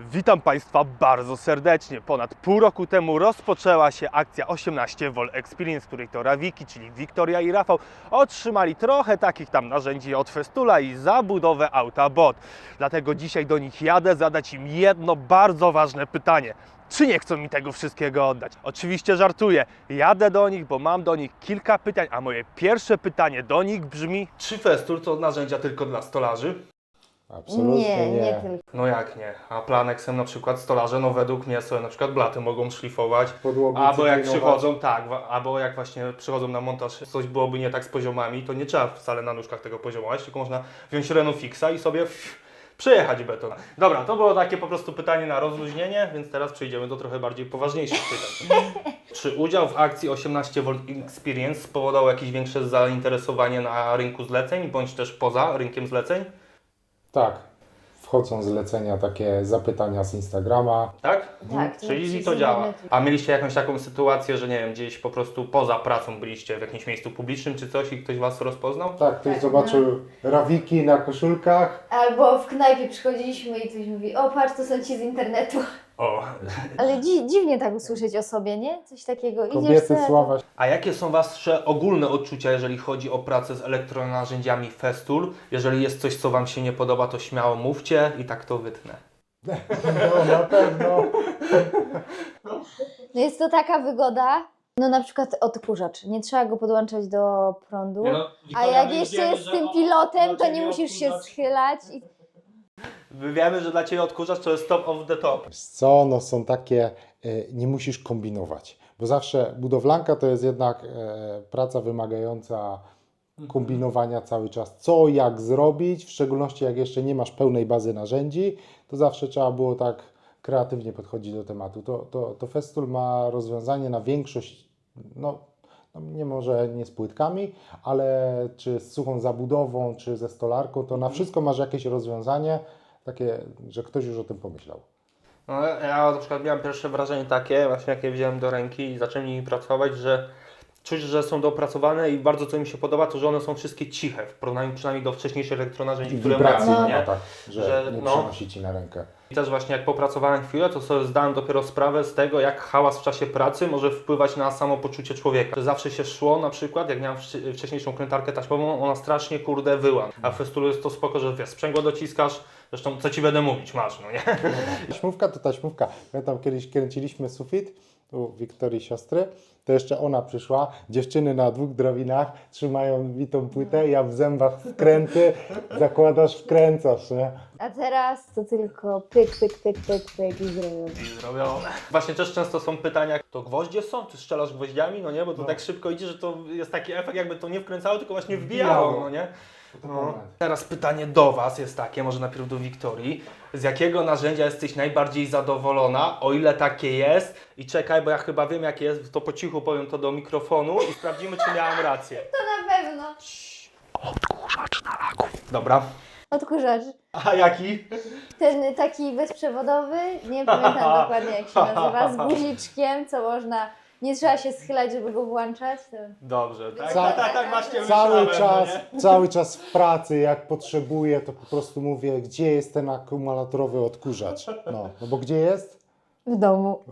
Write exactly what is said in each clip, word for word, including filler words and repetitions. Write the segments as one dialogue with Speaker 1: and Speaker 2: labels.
Speaker 1: Witam Państwa bardzo serdecznie. Ponad pół roku temu rozpoczęła się akcja osiemnaście Vol Experience, w której to Rawiki, czyli Wiktoria i Rafał, otrzymali trochę takich tam narzędzi od Festula i zabudowę auta bot. Dlatego dzisiaj do nich jadę zadać im jedno bardzo ważne pytanie. Czy nie chcą mi tego wszystkiego oddać? Oczywiście żartuję. Jadę do nich, bo mam do nich kilka pytań, a moje pierwsze pytanie do nich brzmi: czy Festul to narzędzia tylko dla stolarzy?
Speaker 2: Absolutnie
Speaker 3: Nie,
Speaker 2: nie.
Speaker 3: nie tylko.
Speaker 1: No jak nie? A Planexem na przykład stolarze, no według mnie sobie na przykład blaty mogą szlifować.
Speaker 2: Podłogi
Speaker 1: Albo jak
Speaker 2: cyklinować.
Speaker 1: przychodzą, tak, wa- albo jak właśnie przychodzą na montaż, coś byłoby nie tak z poziomami, to nie trzeba wcale na nóżkach tego poziomować, tylko można wziąć Renault Fixa i sobie pff, przejechać beton. Dobra, to było takie po prostu pytanie na rozluźnienie, więc teraz przejdziemy do trochę bardziej poważniejszych pytań. Czy udział w akcji osiemnaście Volt Experience spowodował jakieś większe zainteresowanie na rynku zleceń, bądź też poza rynkiem zleceń?
Speaker 2: Tak. Wchodzą zlecenia, takie zapytania z Instagrama.
Speaker 1: Tak?
Speaker 3: Tak,
Speaker 1: Czyli
Speaker 3: to
Speaker 1: to działa.
Speaker 3: internetu.
Speaker 1: A mieliście jakąś taką sytuację, że nie wiem, gdzieś po prostu poza pracą byliście w jakimś miejscu publicznym czy coś i ktoś Was rozpoznał?
Speaker 2: Tak, ktoś
Speaker 3: Tak,
Speaker 2: zobaczył rawiki na koszulkach.
Speaker 3: Albo w knajpie przychodziliśmy i ktoś mówi: o patrz, to są ci z internetu.
Speaker 1: O.
Speaker 3: Ale dzi dziwnie tak usłyszeć o sobie, nie? Coś takiego. Idziesz
Speaker 2: Kobiety
Speaker 3: sobie,
Speaker 2: sława.
Speaker 1: A jakie są Wasze ogólne odczucia, jeżeli chodzi o pracę z elektronarzędziami Festool? Jeżeli jest coś, co Wam się nie podoba, to śmiało mówcie i tak to wytnę.
Speaker 2: No na pewno.
Speaker 3: No jest to taka wygoda. No na przykład odkurzacz. Nie trzeba go podłączać do prądu. A jak jeszcze jest z tym pilotem, to nie musisz się schylać. I...
Speaker 1: My wiemy, że dla Ciebie odkurzacz to jest top of the top.
Speaker 2: Wiesz co, no są takie, e, nie musisz kombinować. Bo zawsze budowlanka to jest jednak e, praca wymagająca kombinowania cały czas. Co, jak zrobić, w szczególności jak jeszcze nie masz pełnej bazy narzędzi, to zawsze trzeba było tak kreatywnie podchodzić do tematu. To, to, to Festool ma rozwiązanie na większość, no, no nie może nie z płytkami, ale czy z suchą zabudową, czy ze stolarką, to na wszystko masz jakieś rozwiązanie takie, że ktoś już o tym pomyślał.
Speaker 1: No, ja na przykład miałem pierwsze wrażenie takie, właśnie jak je wziąłem do ręki i zacząłem nimi pracować, że czuć, że są dopracowane i bardzo co mi się podoba, to że one są wszystkie ciche, w porównaniu przynajmniej do wcześniejszych elektronarzędzi, które
Speaker 2: Wibracji
Speaker 1: miałem,
Speaker 2: nie
Speaker 1: nie?
Speaker 2: ma tak, że,
Speaker 1: Że,
Speaker 2: nie
Speaker 1: no.
Speaker 2: przenosi Ci na rękę.
Speaker 1: I też właśnie jak popracowałem chwilę, to sobie zdałem dopiero sprawę z tego, jak hałas w czasie pracy może wpływać na samopoczucie człowieka. Że zawsze się szło na przykład, jak miałem wcz- wcześniejszą krętarkę taśmową, ona strasznie kurde wyła. A w Festulu jest to spoko, że wiesz, sprzęgło dociskasz, zresztą co Ci będę mówić, masz, no nie?
Speaker 2: Taśmówka to taśmówka. Pamiętam, kiedyś kręciliśmy sufit u Wiktorii siostry, to jeszcze ona przyszła, dziewczyny na dwóch drabinach trzymają bitą płytę, ja w zębach wkręty, zakładasz, wkręcasz, nie?
Speaker 3: A teraz to tylko pyk, pyk, pyk, pyk, pyk i zrobione.
Speaker 1: I zrobione. Właśnie też często są pytania, to gwoździe są? Ty strzelasz gwoździami? No nie, bo to
Speaker 2: No.
Speaker 1: tak szybko idzie, że to jest taki efekt, jakby to nie wkręcało, tylko właśnie wbijało,
Speaker 2: Wbijało.
Speaker 1: no nie?
Speaker 2: To
Speaker 1: No.
Speaker 2: moment.
Speaker 1: Teraz pytanie do Was jest takie, może najpierw do Wiktorii. Z jakiego narzędzia jesteś najbardziej zadowolona, o ile takie jest? I czekaj, bo ja chyba wiem jakie jest, to po cichu powiem to do mikrofonu i sprawdzimy, czy miałem rację.
Speaker 3: To na pewno.
Speaker 1: Odkurzacz na laków. Dobra.
Speaker 3: Odkurzacz.
Speaker 1: A jaki?
Speaker 3: Ten taki bezprzewodowy, nie pamiętam dokładnie jak się nazywa, z guziczkiem, co można, nie trzeba się schylać, żeby go włączać. To...
Speaker 1: Dobrze, tak?
Speaker 2: Ca-
Speaker 1: tak, tak, tak właśnie
Speaker 2: Cały
Speaker 1: myślałem,
Speaker 2: czas,
Speaker 1: no nie?
Speaker 2: cały czas w pracy, jak potrzebuję, to po prostu mówię, gdzie jest ten akumulatorowy odkurzacz? No, no bo gdzie jest?
Speaker 3: W domu.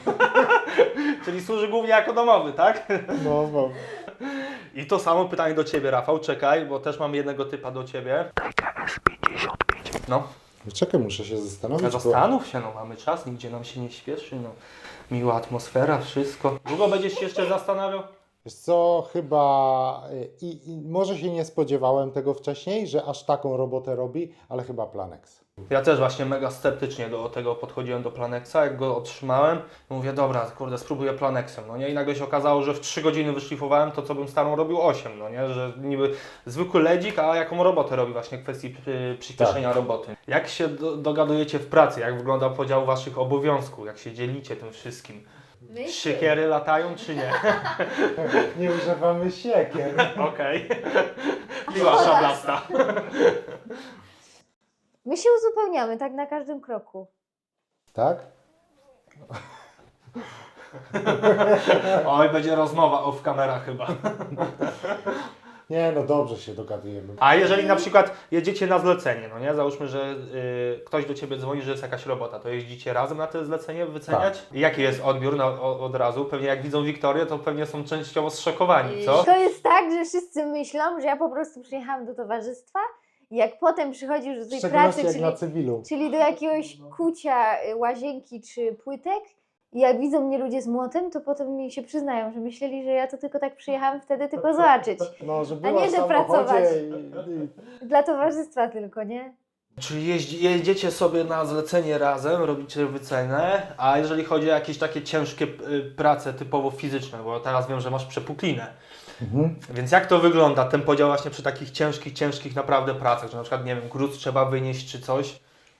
Speaker 1: Czyli służy głównie jako domowy, tak?
Speaker 2: No, bo...
Speaker 1: I to samo pytanie do Ciebie, Rafał, czekaj, bo też mam jednego typa do Ciebie. T K S pięćdziesiąt pięć. No,
Speaker 2: Czekaj, muszę się zastanowić. bo-
Speaker 1: zastanów się, no mamy czas, nigdzie nam się nie śpieszy, no. Miła atmosfera, wszystko. Długo będziesz się jeszcze zastanawiał?
Speaker 2: Wiesz co, chyba y, i, i może się nie spodziewałem tego wcześniej, że aż taką robotę robi, ale chyba Planex.
Speaker 1: Ja też właśnie mega sceptycznie do tego podchodziłem do Planexa, jak go otrzymałem, mówię, dobra, kurde, spróbuję Planexem, no nie? I nagle się okazało, że w trzy godziny wyszlifowałem to, co bym starą robił osiem, no nie? Że niby zwykły ledzik, a jaką robotę robi właśnie w kwestii przy- przyspieszenia
Speaker 2: Tak.
Speaker 1: roboty. Jak się do, dogadujecie w pracy? Jak wygląda podział Waszych obowiązków? Jak się dzielicie tym wszystkim? Siekiery latają czy nie?
Speaker 2: Nie używamy siekier.
Speaker 1: Okej. Miła szablasta.
Speaker 3: My się uzupełniamy tak na każdym kroku.
Speaker 2: Tak?
Speaker 1: Oj, będzie rozmowa off kamera chyba.
Speaker 2: Nie, no dobrze się dogadujemy.
Speaker 1: A jeżeli na przykład jedziecie na zlecenie, no nie? Załóżmy, że y, ktoś do Ciebie dzwoni, że jest jakaś robota, to jeździcie razem na to zlecenie wyceniać? I jaki jest odbiór na, o, od razu? Pewnie jak widzą Wiktorię, to pewnie są częściowo zszokowani, co?
Speaker 3: To jest tak, że wszyscy myślą, że ja po prostu przyjechałam do towarzystwa i jak potem przychodzisz do
Speaker 2: W
Speaker 3: tej
Speaker 2: szczególności
Speaker 3: pracy,
Speaker 2: jak
Speaker 3: czyli,
Speaker 2: na cywilu.
Speaker 3: czyli do jakiegoś kucia y, łazienki czy płytek i jak widzą mnie ludzie z młotem, to potem mi się przyznają, że myśleli, że ja to tylko tak przyjechałam wtedy tylko zobaczyć.
Speaker 2: No, że
Speaker 3: A
Speaker 2: była
Speaker 3: nie,
Speaker 2: w
Speaker 3: że
Speaker 2: samochodzie
Speaker 3: pracować.
Speaker 2: i, i...
Speaker 3: Dla towarzystwa tylko, nie?
Speaker 1: Czyli jeździ, jedziecie sobie na zlecenie razem, robicie wycenę, a jeżeli chodzi o jakieś takie ciężkie y, prace typowo fizyczne, bo teraz wiem, że masz przepuklinę.
Speaker 2: Mhm.
Speaker 1: Więc jak to wygląda, ten podział właśnie przy takich ciężkich, ciężkich naprawdę pracach, że na przykład, nie wiem, gruz trzeba wynieść czy coś?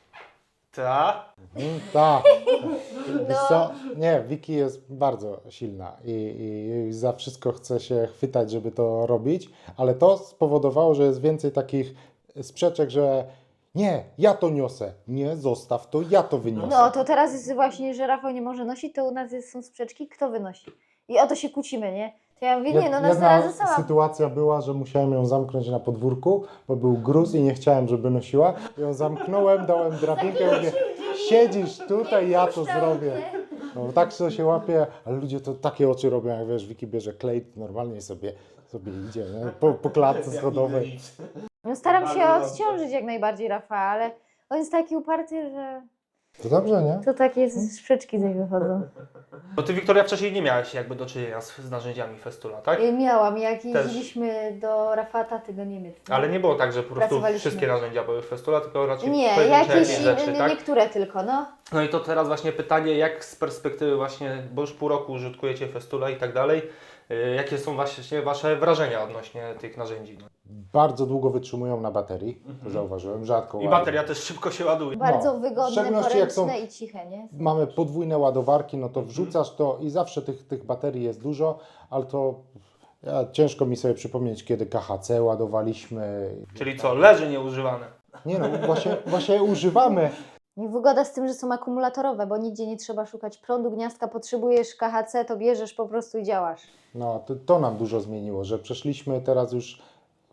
Speaker 1: Ta?
Speaker 2: Mhm, tak. Wiesz
Speaker 3: No.
Speaker 2: co? Nie, Wiki jest bardzo silna i, i, i za wszystko chce się chwytać, żeby to robić, ale to spowodowało, że jest więcej takich sprzeczek, że nie, ja to niosę, nie, zostaw to, ja to wyniosę.
Speaker 3: No to teraz jest właśnie, że Rafał nie może nosić, to u nas jest, są sprzeczki, kto wynosi. I o to się kłócimy, nie? To ja mówię, nie, no
Speaker 2: Jedna
Speaker 3: następnym sama.
Speaker 2: sytuacja była, że musiałem ją zamknąć na podwórku, bo był gruz i nie chciałem, żeby nosiła. Ją zamknąłem, dałem drabinkę i mówię, siedzisz tutaj, ja to zrobię. No tak to się łapie, ale ludzie to takie oczy robią, jak wiesz, Wiki bierze klej, normalnie sobie, sobie idzie, nie? Po, po klatce schodowej.
Speaker 3: No staram się odciążyć jak najbardziej Rafała, ale on jest taki uparty, że
Speaker 2: To dobrze, nie?
Speaker 3: to takie sprzeczki z niego wychodzą.
Speaker 1: Bo Ty, Wiktoria, wcześniej nie miałaś jakby do czynienia z, z narzędziami Festula, tak?
Speaker 3: I miałam, jak jeździliśmy do Rafała taty do Niemiec.
Speaker 1: Ale nie było tak, że po prostu
Speaker 3: Pracowaliśmy.
Speaker 1: wszystkie narzędzia były Festula, tylko raczej
Speaker 3: Nie,
Speaker 1: pojedyncze
Speaker 3: jakieś
Speaker 1: rzeczy,
Speaker 3: nie,
Speaker 1: tak?
Speaker 3: niektóre tylko, no.
Speaker 1: No i to teraz właśnie pytanie, jak z perspektywy właśnie, bo już pół roku użytkujecie Festula i tak dalej, yy, jakie są właśnie Wasze wrażenia odnośnie tych narzędzi? No.
Speaker 2: Bardzo długo wytrzymują na baterii, to zauważyłem, rzadko
Speaker 1: I
Speaker 2: ładują.
Speaker 1: bateria też szybko się ładuje.
Speaker 3: Bardzo
Speaker 2: No, w
Speaker 3: wygodne,
Speaker 2: szczególności jak
Speaker 3: poręczne
Speaker 2: są-
Speaker 3: i ciche, nie?
Speaker 2: Mamy podwójne ładowarki, no to wrzucasz to i zawsze tych, tych baterii jest dużo, ale to ja, ciężko mi sobie przypomnieć, kiedy K H C ładowaliśmy.
Speaker 1: Czyli co, leży nieużywane.
Speaker 2: Nie no, właśnie, właśnie używamy.
Speaker 3: I wygoda z tym, że są akumulatorowe, bo nigdzie nie trzeba szukać prądu, gniazdka, potrzebujesz K H C, to bierzesz po prostu i działasz.
Speaker 2: No to, to nam dużo zmieniło, że przeszliśmy teraz już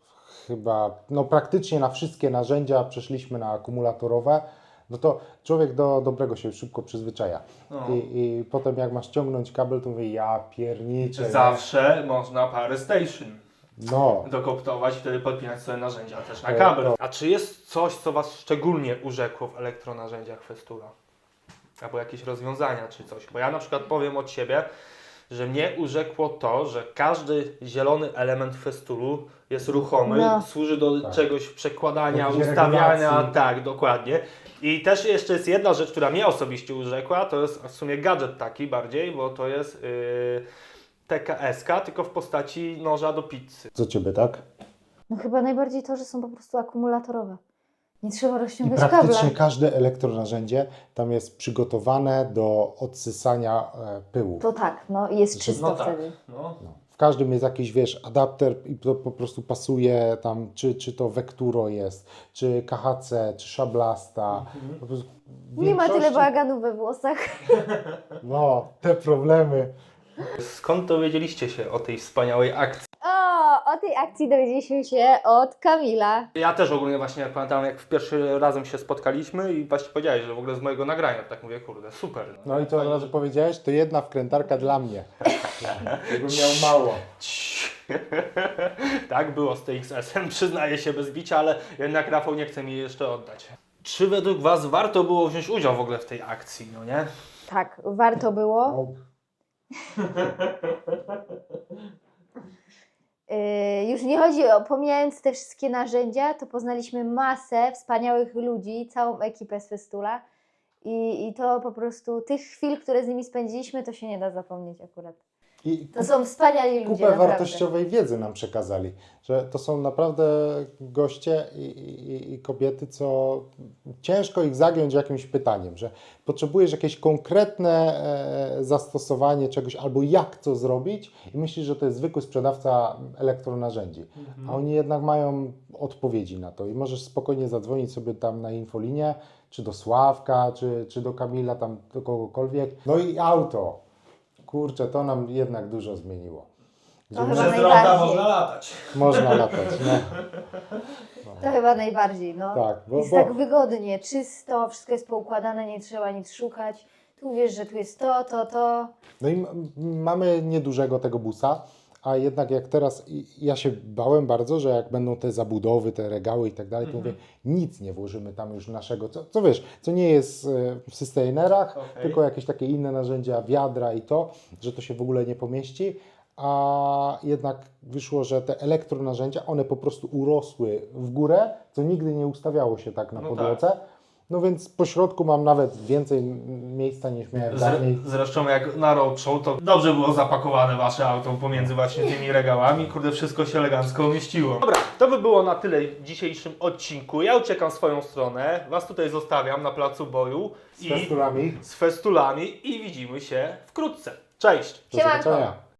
Speaker 2: chyba, no praktycznie na wszystkie narzędzia przeszliśmy na akumulatorowe. No to człowiek do dobrego się szybko przyzwyczaja.
Speaker 1: No.
Speaker 2: I, I potem jak masz ciągnąć kabel, to mówię, ja pierniczę. nie?
Speaker 1: Zawsze można parę station
Speaker 2: No.
Speaker 1: dokoptować i wtedy podpinać sobie narzędzia też na
Speaker 2: To-
Speaker 1: kabel.
Speaker 2: to-
Speaker 1: A czy jest coś, co Was szczególnie urzekło w elektronarzędziach Festula? Albo jakieś rozwiązania czy coś? Bo ja na przykład powiem od siebie, że mnie urzekło to, że każdy zielony element Festulu jest ruchomy,
Speaker 3: No.
Speaker 1: służy do
Speaker 2: Tak.
Speaker 1: czegoś przekładania,
Speaker 2: Jakiejś
Speaker 1: ustawiania,
Speaker 2: regulacji.
Speaker 1: tak, dokładnie. I też jeszcze jest jedna rzecz, która mnie osobiście urzekła, to jest w sumie gadżet taki bardziej, bo to jest yy, T K S ka, tylko w postaci noża do pizzy.
Speaker 2: Co ciebie, tak?
Speaker 3: No chyba najbardziej to, że są po prostu akumulatorowe. Nie trzeba
Speaker 2: I
Speaker 3: rozciągać
Speaker 2: praktycznie
Speaker 3: kabla.
Speaker 2: każde elektronarzędzie tam jest przygotowane do odsysania e, pyłu.
Speaker 3: To tak, no i jest
Speaker 2: Że-
Speaker 3: czysto
Speaker 1: No tak.
Speaker 3: wtedy.
Speaker 1: No.
Speaker 2: No. W każdym jest jakiś, wiesz, adapter i to po prostu pasuje tam, czy, czy to Vecturo jest, czy K H C, czy Szablasta. Po prostu w
Speaker 3: Nie ma tyle
Speaker 2: większości-
Speaker 3: bałaganu we włosach.
Speaker 2: No, te problemy.
Speaker 1: Skąd dowiedzieliście się o tej wspaniałej akcji?
Speaker 3: O, o tej akcji dowiedzieliśmy się od Kamila.
Speaker 1: Ja też ogólnie właśnie jak pamiętam, jak w pierwszy razem się spotkaliśmy i właśnie powiedziałeś, że w ogóle z mojego nagrania, tak mówię, kurde, super.
Speaker 2: No i co od razu powiedziałeś? To jedna wkrętarka dla mnie. Jakbym miał mało.
Speaker 1: Tak było z T X S-em, przyznaję się bez bicia, ale jednak Rafał nie chce mi jej jeszcze oddać. Czy według Was warto było wziąć udział w ogóle w tej akcji, no nie?
Speaker 3: Tak, warto było.
Speaker 2: No,
Speaker 3: Yy, już nie chodzi o, pomijając te wszystkie narzędzia, to poznaliśmy masę wspaniałych ludzi, całą ekipę z Festula i, i to po prostu tych chwil, które z nimi spędziliśmy, to się nie da zapomnieć akurat.
Speaker 2: I
Speaker 3: To są wspaniali ludzie,
Speaker 2: kupę
Speaker 3: naprawdę.
Speaker 2: wartościowej wiedzy nam przekazali, że to są naprawdę goście i, i, i kobiety, co ciężko ich zagiąć jakimś pytaniem, że potrzebujesz jakieś konkretne e, zastosowanie czegoś albo jak to zrobić i myślisz, że to jest zwykły sprzedawca elektronarzędzi, a oni jednak mają odpowiedzi na to i możesz spokojnie zadzwonić sobie tam na infolinię, czy do Sławka, czy, czy do Kamila, tam do kogokolwiek. No i auto. Kurczę, to nam jednak dużo zmieniło.
Speaker 3: To chyba
Speaker 4: Przez droga
Speaker 3: najbardziej.
Speaker 4: można latać.
Speaker 2: Można latać. No.
Speaker 3: To chyba najbardziej, no.
Speaker 2: Tak, bo,
Speaker 3: Jest
Speaker 2: bo
Speaker 3: tak wygodnie, czysto, wszystko jest poukładane, nie trzeba nic szukać. Tu wiesz, że tu jest to, to, to.
Speaker 2: no i m- mamy niedużego tego busa, a jednak jak teraz, i- ja się bałem bardzo, że jak będą te zabudowy, te regały i tak dalej, to mówię, nic nie włożymy tam już naszego, co, co wiesz, co nie jest e, w sustainerach,
Speaker 1: Okej.
Speaker 2: tylko jakieś takie inne narzędzia, wiadra i to, że to się w ogóle nie pomieści, a jednak wyszło, że te elektronarzędzia, one po prostu urosły w górę, co nigdy nie ustawiało się tak na
Speaker 1: No
Speaker 2: podłodze. No więc po środku mam nawet więcej m- miejsca niż miałem dawniej.
Speaker 1: Zresztą jak na roadshow, to dobrze było zapakowane wasze auto pomiędzy właśnie tymi regałami. Kurde, wszystko się elegancko umieściło. Dobra, to by było na tyle w dzisiejszym odcinku. Ja uciekam w swoją stronę, was tutaj zostawiam na placu boju
Speaker 2: Z festulami.
Speaker 1: z festulami i widzimy się wkrótce. Cześć!
Speaker 2: Do
Speaker 3: Siemanko.
Speaker 2: zobaczenia.